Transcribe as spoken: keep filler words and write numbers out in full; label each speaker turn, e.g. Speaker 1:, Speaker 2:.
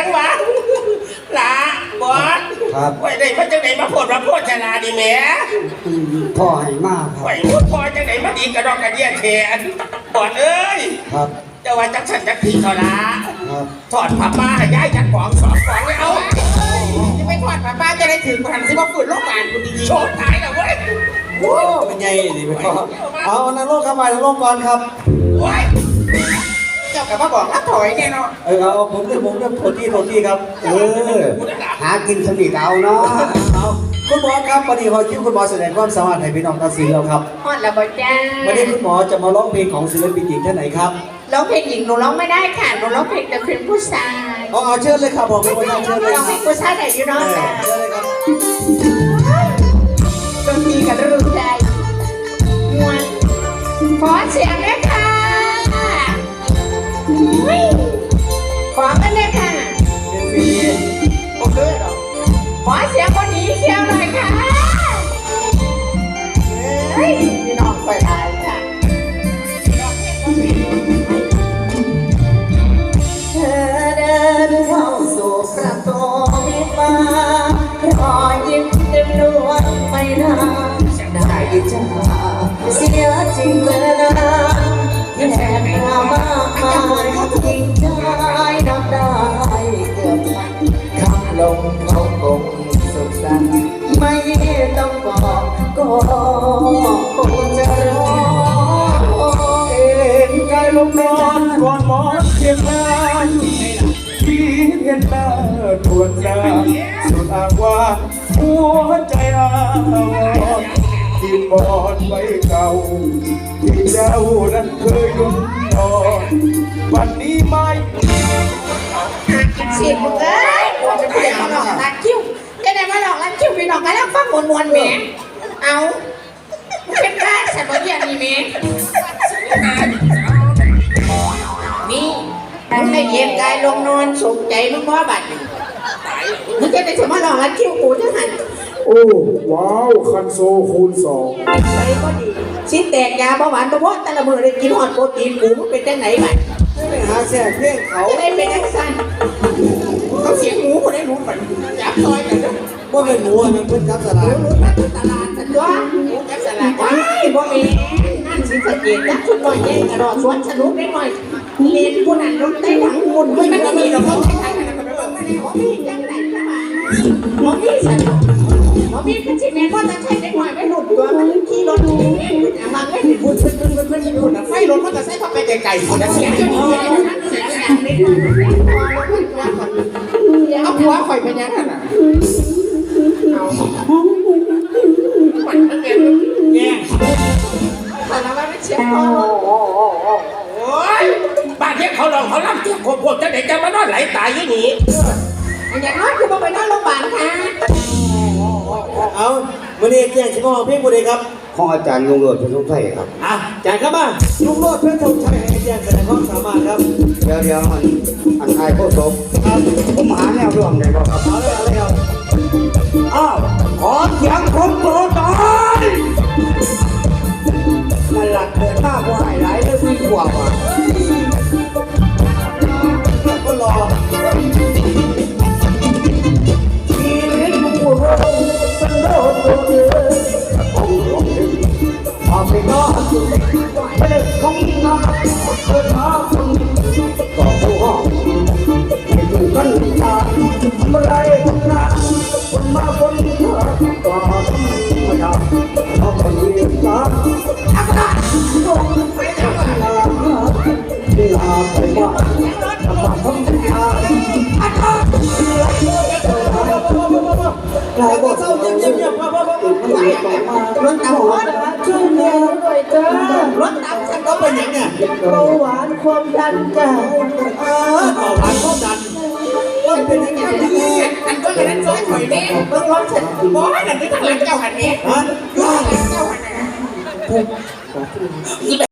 Speaker 1: ยังวะหลาบอสครับไว้ได้มาจังไหนมาโพดมาโพดชลาดีแม่
Speaker 2: พ่อให้มากครับ
Speaker 1: ไว้พูดพ่อจังไหนมาดีกระดองกระเดียแขนบอสเอ้ย
Speaker 2: ครับ
Speaker 1: จะว่าจังสันจังผีเขาละถอดผ้าป้าย้ายจักของสองของเลยเอาจะไม่ถอดผ้าป้าจะได้ถึงพันสิบว่าฝืนโลกการคุณดีๆโชว์ตายแล้วเว้ย
Speaker 2: โอ้เป็นไงนี่พ่อเอานรกเข้าไปนรกก่อนครับ
Speaker 1: เจ้ากับมาบอกรับถอยแน่นอน
Speaker 2: เออเอาผมเรื่องผมเรื่องโทษที่โทษที่ครับเออหากินสนิทเอาเนาะเอาคุณหมอครับวันนี้ขอคิวคุณหมอแสดงความสามารถให้พี่น้องตัดสินแล้วครับ
Speaker 3: ฮอดแล้วบ่จ้า
Speaker 2: วันนี้คุณหมอจะมาร้องเพลงของศิลปินหญิงท่านไหนครับ
Speaker 3: ร้องเพลงหญิงหนูร้องไม่ได้ค่ะหนูร้องเพลงแต่เพลงผู้ชาย
Speaker 2: เอาเอาเชิญเลยครับบอกเป็นคนเชิญเลย
Speaker 3: ร้องเพลงผู้ชายแต่ยูน้องจ้า
Speaker 2: เชิญเลยครับ
Speaker 3: ดนตรีกับรู้ใจมวนขอเสียงด้วยค่ะขอกันเลยค่ะโอเคหรอขอเสียงคนนี้เชียวหน่อยค่ะเฮ้ยพี่น้องไปไหนค่ะเธอเดินเข้าสู่ประตูวิวารอยยิ้มเต็มดวงไม่นานได้จ้าเสียจริงเลยนะแค่มามากมายยิ่งใจนับได้เกือบพันคำลงเขาคงสุขสันต์ไม่ต้องบอกก็คงจะรอ
Speaker 2: เอ็นกายลงนอนก่อนหมอนเพียงนานที่เห็นหน้าทวนจางสุดอ้างว่าหัวใจอาวที่บอนไว้เก่าที่เจ้านั้นเคยลุ่มนอนวันนี้ไม่
Speaker 3: สิบเอ้ยปวดจะเปลี่ยนมาหลอกรัดคิ้วจะได้มาหลอกรัดคิ้วไปหลอกกันแล้วฟังมวนมวนแหมเอาเป็นบ้าสมบูรณ์นี่แหมนี่มันไม่เย็นกายลงนอนสุขใจมึงว่าบัดมึงจะได้สมารถหลอกรัดคิ้วกูจะหัน
Speaker 2: โอ้ว้าวคันโซคูณสอง
Speaker 3: ไปก็ดีชิ้นแตกยาเบาหวานเพราะแต่ละมือได้กินหอดโปรตีนกูมันเป็นจังไหนไป
Speaker 2: ไปหาแซ่เพี้ยงเขา
Speaker 3: ได้เป็นจังสั้นเขาเสียงหมูคนได้หมูไปจับซอยกันด้วย
Speaker 2: ว่าเป็นหมูอันนั้นเป็นจับสลาก
Speaker 3: หมูตลาดนั่นด้วยจับสลากว้ายบ่มีนั่นสิสเกตจับชุดหน่อยแย่งกระโดดสวนสนุกได้หน่อยเล่นผู้นั้นรถได้หลังมุนไม่มันก็มีหรอกเขาใช้กันแล้วก็ไปเบิ่งมาเนี่ยว่ามีจังไหนกันมาว่ามีสนุกว่ามีเป็นสิ่งแม่ก็จะใช้ได้หน่อยไม่หลุดตัวมันขี่รถหนีมันไม่พูดเพื่อนเพื่อนเพื่อนที่พูดนะไฟรถมันจะใช้เข้าไปไกลๆคนละเสียงจะมีอะไรนั่นเสียงอย่างนี้เอาหัวข่อยไปยังนั่นอ่ะเอามันเป็นแง่แต่ละว่าไม่เชียร์พ่อ
Speaker 1: โอ้ยบ้านเนี้ยเขาลองเขาล่ำเตี้ยโคตรจะเด็กจะมานอนไหลตายอย่างนี้
Speaker 3: อย่างน้อยคือไปนอนโรงพยาบาลค่ะ
Speaker 2: เอาวันนี้แจ้งชิมอเพียงวันนี้ครับ
Speaker 4: ของอาจารย์ลุงโรดเพื่อนทงชัยครับ
Speaker 2: อ่ะอาจารย์ครับมาลุงโรดเพื่อนทงชัยให้แจ้งแสดงความสามารถครับ
Speaker 4: เดี๋ยวเดี๋ยวอันอันไทยโคตรสมครับผมหาแนวร่วมได้บ่ครับ
Speaker 2: เอาเลยเอาเลยครับ
Speaker 4: อ้าวขอเสียงคนโปรดหน่อยนั่นหลักเดินหน้าผู้ให้หลายได้วิ่งกว่าว่ะ
Speaker 2: ก็รอ
Speaker 4: ชีวิตผู้เราเป็นโลกตัวเดียวของเราเองความเป็นน้องไม่ได้ของน้องเกิดมาคนต่อผู้ห้องให้ดูกันตาเมื่อไรคนนั้นคนมาคนเธอต่อมาจากเอาคนเดียวกันอาการลงไปทำงานเวลาไปว่าทำมาทำงานอาการ
Speaker 2: กลายเป็นเศร้าเงียบเงียบพ่อพ่อพ่อ
Speaker 3: รถตำรวจช่วยเมียหน่อยจ้ารถตำฉันก็เป็นอย่างเนี้ยเบาหวานความดันจ้า
Speaker 2: เออเบาหวานความดันก็เป็นอย่างนี้
Speaker 1: อันก็เป็นซอยถอยเนี้ย
Speaker 3: เบิ่งรถฉัน
Speaker 1: บอสนั่นเป็นทางหลังเจ้าหันเนี้ย
Speaker 2: ฮะ
Speaker 1: ทางหลังเจ้าหันนะ